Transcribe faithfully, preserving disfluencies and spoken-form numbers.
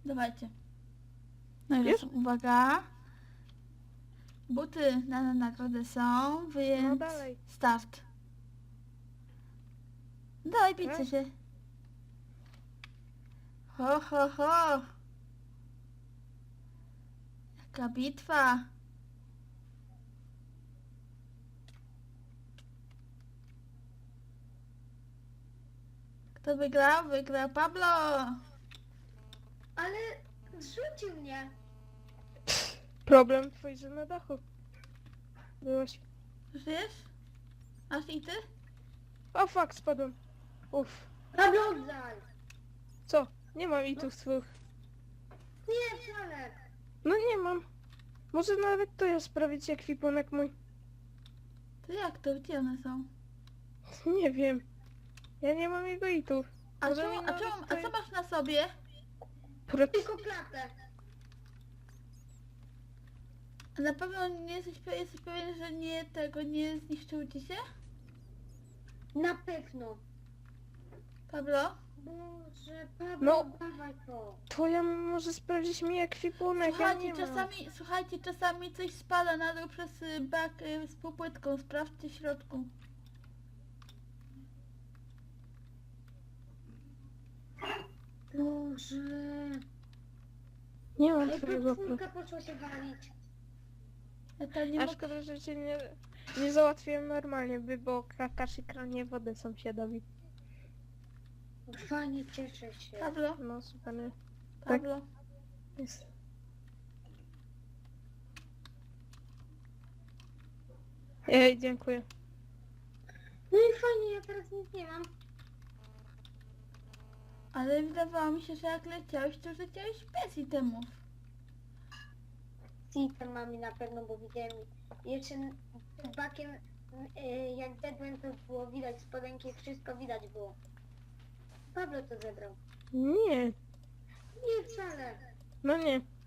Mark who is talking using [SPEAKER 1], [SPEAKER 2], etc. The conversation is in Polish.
[SPEAKER 1] Dawajcie. No i
[SPEAKER 2] Już?
[SPEAKER 1] lecą. Uwaga. Buty na, na nagrodę są, więc
[SPEAKER 2] No dalej.
[SPEAKER 1] start. Dawaj, bijcie
[SPEAKER 2] Tak?
[SPEAKER 1] się. Ho, ho, ho. Jaka bitwa. Kto wygrał? Wygrał Pablo.
[SPEAKER 3] Ale zrzucił mnie.
[SPEAKER 2] Problem twój, że na dachu byłeś.
[SPEAKER 1] Żyjesz? Aż i ty?
[SPEAKER 2] O fuck, spadłem. Uff.
[SPEAKER 3] Pablo, oddaj.
[SPEAKER 2] Co? Nie mam itów swych.
[SPEAKER 3] Nie, wcale.
[SPEAKER 2] No nie mam. Może nawet to ja sprawić ekwipunek mój.
[SPEAKER 1] To jak to? Gdzie one są?
[SPEAKER 2] Nie wiem. Ja nie mam jego itów.
[SPEAKER 1] A,
[SPEAKER 2] Może
[SPEAKER 1] czemu,
[SPEAKER 2] mi
[SPEAKER 1] a,
[SPEAKER 2] nawet
[SPEAKER 1] czemu,
[SPEAKER 2] to-
[SPEAKER 1] a co masz na sobie?
[SPEAKER 2] Pro...
[SPEAKER 3] Tylko klatę.
[SPEAKER 1] A na pewno nie jesteś, pe- jesteś pewien, że nie tego nie zniszczył ci się?
[SPEAKER 3] Na pewno.
[SPEAKER 1] Pablo?
[SPEAKER 3] Boże, Pablo,
[SPEAKER 2] No.
[SPEAKER 3] dawaj to.
[SPEAKER 2] To ja może sprawdzić mi ekwipunek,
[SPEAKER 1] Słuchajcie,
[SPEAKER 2] ja nie mam.
[SPEAKER 1] czasami, słuchajcie, czasami coś spada na dół przez y, bak y, z popłytką. Sprawdźcie w środku.
[SPEAKER 3] Boże.
[SPEAKER 2] Nie mam
[SPEAKER 3] Ej,
[SPEAKER 2] twojego pro...
[SPEAKER 3] podwórka poszło się walić.
[SPEAKER 1] Ja to nie
[SPEAKER 2] A
[SPEAKER 1] mogę...
[SPEAKER 2] szkoda, że cię nie, nie załatwiłem normalnie, by bo krakasz i kranie wodę sąsiadowi.
[SPEAKER 3] Fajnie, cieszę się.
[SPEAKER 1] Pablo?
[SPEAKER 2] No super, nie?
[SPEAKER 1] Pablo?
[SPEAKER 2] Jest. Ej, dziękuję.
[SPEAKER 3] No i fajnie, ja teraz nic nie mam.
[SPEAKER 1] Ale wydawało mi się, że jak leciałeś, to już leciałeś bez itemów.
[SPEAKER 3] Z itemami na pewno, bo widziałem jeszcze z bakiem, y, jak zedłem, to było widać spodenki, wszystko widać było. Pablo to zebrał.
[SPEAKER 2] Nie,
[SPEAKER 3] Nie wcale.
[SPEAKER 2] no nie.